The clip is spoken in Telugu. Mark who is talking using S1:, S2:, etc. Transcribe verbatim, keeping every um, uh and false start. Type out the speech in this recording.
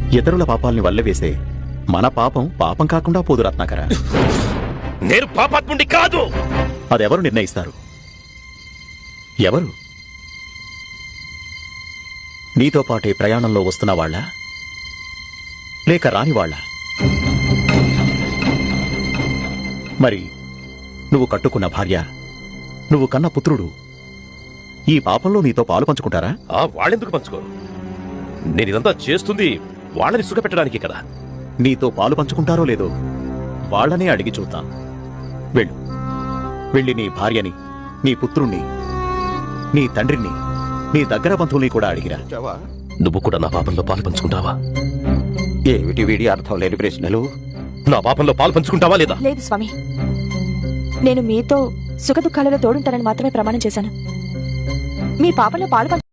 S1: ఇతరుల పాపాల్ని వల్లవేసే మన పాపం పాపం కాకుండా పోదు రత్నాకర.
S2: నేను పాపాత్ముడి కాదు.
S1: అదెవరు నిర్ణయిస్తారు? ఎవరు? నీతో పాటే ప్రయాణంలో వస్తున్న వాళ్ళ, లేక రాని వాళ్ళ? మరి నువ్వు కట్టుకున్న భార్య, నువ్వు కన్న పుత్రుడు ఈ పాపంలో నీతో పాలు పంచుకుంటారా?
S2: ఆ వాళ్ళెందుకు పంచుకోరు? నేను ఇదంతా చేస్తుంది వాళ్ళని సుఖపెట్టడానికి కదా.
S1: నీతో పాలు పంచుకుంటారో లేదో వాళ్ళనే అడిగి చూద్దాం. వెళ్ళు, వెళ్ళి నీ భార్యని, నీ పుత్రుణ్ణి, నీ తండ్రిని, నీ దగ్గర బంధువుల్ని కూడా అడిగిరా.
S2: నువ్వు కూడా నా పాపంలో పాలు పంచుకుంటావా?
S3: ఏమిటి వీడి అర్థం లేని ప్రశ్నలు?
S2: నా పాపంలో పాలు పంచుకుంటావా లేదా?
S4: లేదు స్వామి, నేను మీతో సుఖ దుఃఖాలలో తోడుంటానని మాత్రమే ప్రమాణం చేశాను. మీ పాపంలో పాలు